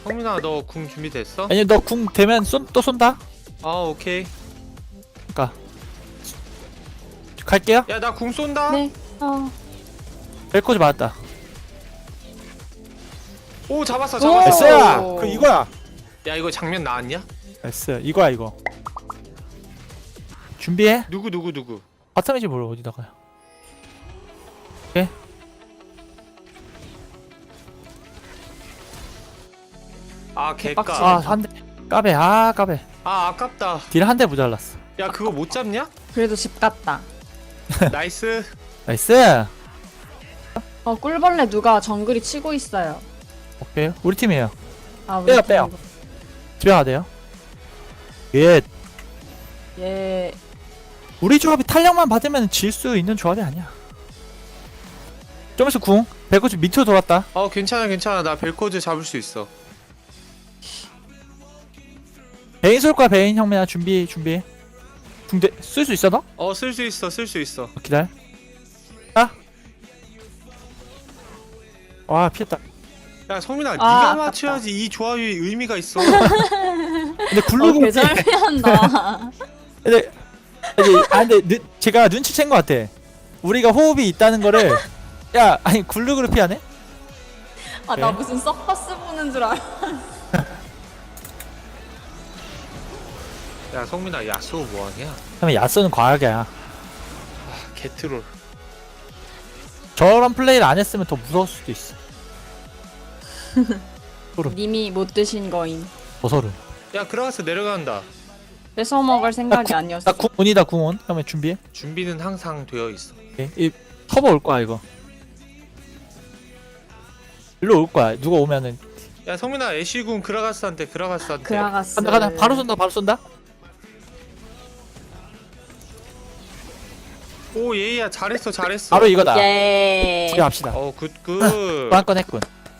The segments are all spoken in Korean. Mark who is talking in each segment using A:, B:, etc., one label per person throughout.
A: 성민아 너 궁 준비됐어?
B: 아니 너 궁 되면 또 쏜다.
A: 아 오케이.
B: 갈게요.
A: 야 나 궁 쏜다.
C: 네.
B: 벨코즈 맞았다.
A: 오 잡았어
C: 오!
A: 잡았어.
B: S야. 그 이거야.
A: 야 이거 장면 나왔냐?
B: S 이거야 이거. 준비해.
A: 누구?
B: 바텀이지 뭘 어디다가요.
A: 아 개까.
B: 아 한 대. 까베 아 까베.
A: 아 아깝다.
B: 딜 한 대 모자랐어.
A: 야 그거 못 잡냐?
C: 그래도 집 갔다.
A: 나이스.
B: 나이스.
C: 꿀벌레 누가 정글이 치고 있어요.
B: 오케이 우리 팀이에요.
C: 아, 우리
B: 빼요,
C: 팀
B: 빼요.
C: 이거.
B: 집에 가야 돼요. 예.
C: 예.
B: 우리 조합이 탄력만 받으면 질 수 있는 조합이 아니야. 좀 있어 궁. 벨코즈 밑으로 돌았다.
A: 괜찮아. 나 벨코즈 잡을 수 있어.
B: 베인 쏠 거야 베인 형맨아 준비. 궁대 쓸 수 있어 너?
A: 쓸 수 있어.
B: 기다려. 아. 와 피했다.
A: 야 성민아
C: 아,
A: 네가
C: 아깝다.
A: 맞춰야지 이 조합이 의미가 있어.
B: 근데 굴르고
C: 개잘피한다.
B: 근데 제가 눈치챈 것 같아. 우리가 호흡이 있다는 거를 야 아니 굴르그를 피하네?
C: 아, 나 무슨 서커스 보는 줄 알아.
A: 야 성민아 야스오 뭐하냐?
B: 그러면 야스는 과학이야.
A: 아 개트롤.
B: 저런 플레이를 안 했으면 더 무서울 수도 있어.
C: 님이 못 드신 거임.
B: 어서름.
A: 야 그라가스 내려간다.
C: 뺏어 먹을 생각이 아니었어.
B: 나 궁온이다 궁온. 그러면 준비해.
A: 준비는 항상 되어 있어.
B: 오케이. 이 터보 올 거야 이거. 일로 올 거야. 누가 오면은
A: 야 성민아 애쉬군 그라가스한테.
C: 그라가스.
B: 간다. 바로 쏜다.
A: 오 예이야 잘했어.
B: 바로 이거다.
C: 예.
B: 집에 갑시다.
A: 굿.
B: 또 한 건 했군.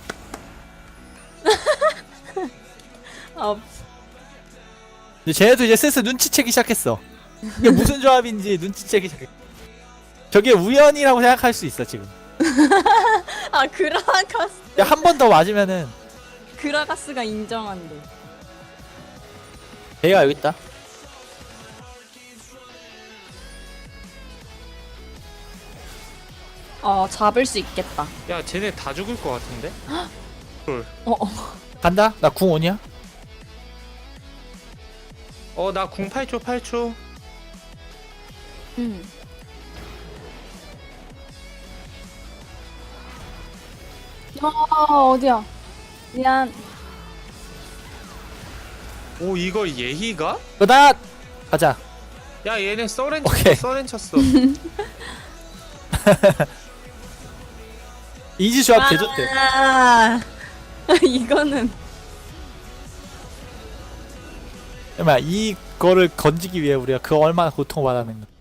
B: 근데 쟤네도 이제 슬슬 눈치채기 시작했어. 이게 무슨 조합인지 눈치채기 시작했어. 저게 우연이라고 생각할 수 있어 지금.
C: 아, 그라가스.
B: 한 번 더 맞으면은
C: 그라가스가 인정한대.
B: 얘가 여기 있다.
C: 잡을 수 있겠다.
A: 야 쟤네 다 죽을 것 같은데?
B: 간다. 나 궁 온이야.
A: 나 궁 8초.
C: 어디야? 미안.
A: 오 이걸 예희가?
B: 그다 가자.
A: 야 얘네
B: 오케이.
A: 서렌 쳤어.
B: 이지 조합 개좋대.
C: 이거는
B: 정말 이거를 건지기 위해 우리가 그 얼마나 고통받았는 거.